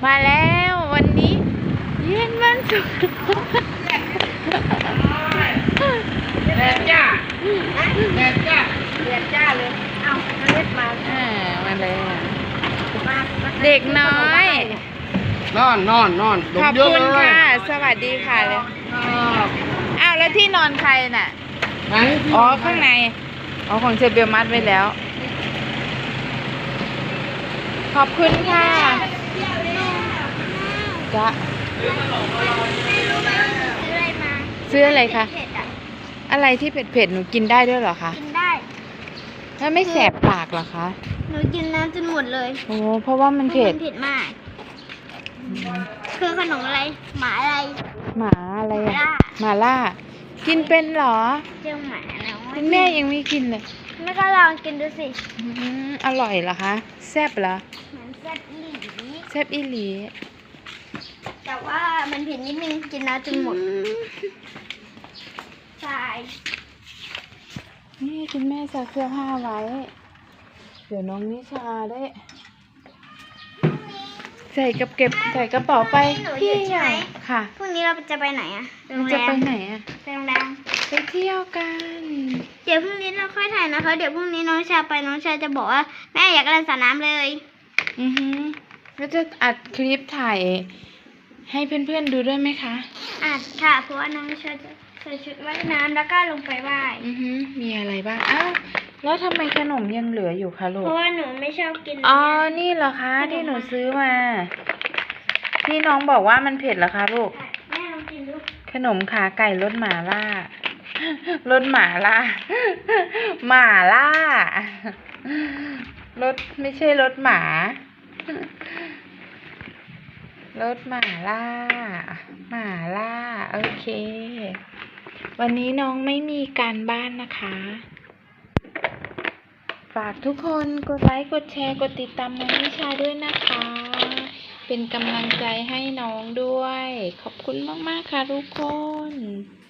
มาแล้ววันนี้เย็นวันศุกร์แดดจ้าแดดจ้าแดดจ้าเลยเอาเล็ดมามาเลยเด็กน้อยนอนขอบคุณค่ะสวัสดีค่ะเลยอ้าวแล้วที่นอนใครน่ะอ๋อข้างในอ๋อของเชเบลมัดไว้แล้วขอบคุณค่ะจ้ะซื้ออะไรคะอะไรที่เผ็ดๆหนูกินได้ด้วยเหรอคะกินได้แล้วไม่แสบปากเหรอคะหนูกินน้ำจนหมดเลยโอ้เพราะว่ามันเผ็ดมากคือขนมอะไรหมาอะไรอะหมาล่ากินเป็นเหรอเจ้าหมาแล้วคุณแม่ยังไม่กินเลยแม่ก็ลองกินดูสิอร่อยเหรอคะแซ่บเหรอเหมือนแซ่บอีหลีแซ่บอีหลีแต่ว่ามันเผ็ดนิดนึงกินน้ำจนหมดใช่นี่คุณแม่ซักเสื้อผ้าไว้เดี๋ยวน้องนิชาได้ใส่กระเป๋าไปพี่ใช่ไหมค่ะพรุ่งนี้เราจะไปไหนอะจะไปไหนอะไปโรงแรมไปเที่ยวกันเดี๋ยวพรุ่งนี้เราค่อยถ่ายนะคะเดี๋ยวพรุ่งนี้น้องชาไปน้องชาจะบอกว่าแม่อยากเล่นสระน้ำเลยแล้วจะอัดคลิปถ่ายให้เพื่อนๆดูด้วยไหมคะอัดค่ะเพราะว่าน้องชาจะใส่ชุดว่ายน้ำแล้วก็ลงไปว่ายมีอะไรบ้างอ้าวแล้วทำไมขนมยังเหลืออยู่คะลูกเพราะว่าหนูไม่ชอบกินอ๋อนี่เหรอคะที่หนูซื้อมาที่น้องบอกว่ามันเผ็ดเหรอคะลูกแม่ลองกินดูขนมขาไก่รสหม่าล่ารสหม่าล่ารสไม่ใช่รสหมารสหม่าล่าโอเควันนี้น้องไม่มีการบ้านนะคะฝากทุกคนกดไลค์กดแชร์กดติดตามน้องนิชาด้วยนะคะเป็นกำลังใจให้น้องด้วยขอบคุณมากๆค่ะทุกคน